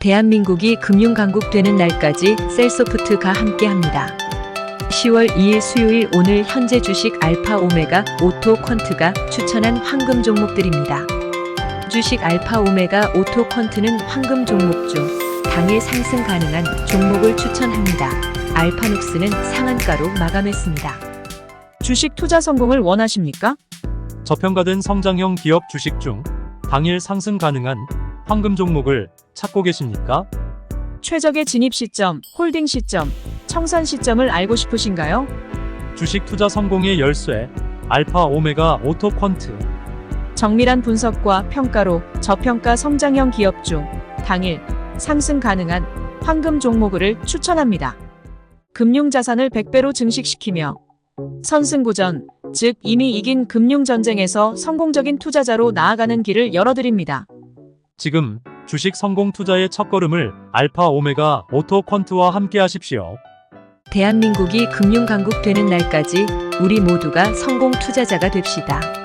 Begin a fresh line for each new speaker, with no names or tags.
대한민국이 금융강국 되는 날까지 셀소프트가 함께합니다. 10월 2일 수요일 오늘 현재 주식 알파 오메가 오토 퀀트가 추천한 황금 종목들입니다. 주식 알파 오메가 오토 퀀트는 황금 종목 중 당일 상승 가능한 종목을 추천합니다. 알파눅스는 상한가로 마감했습니다.
주식 투자 성공을 원하십니까?
저평가된 성장형 기업 주식 중 당일 상승 가능한 황금 종목을 찾고 계십니까?
최적의 진입 시점, 홀딩 시점, 청산 시점을 알고 싶으신가요?
주식 투자 성공의 열쇠 알파 오메가 오토 퀀트.
정밀한 분석과 평가로 저평가 성장형 기업 중 당일 상승 가능한 황금 종목을 추천합니다. 금융자산을 100배로 증식시키며 선승구전, 즉 이미 이긴 금융전쟁에서 성공적인 투자자로 나아가는 길을 열어드립니다.
지금 주식 성공 투자의 첫걸음을 알파 오메가 오토 퀀트와 함께 하십시오.
대한민국이 금융강국 되는 날까지 우리 모두가 성공 투자자가 됩시다.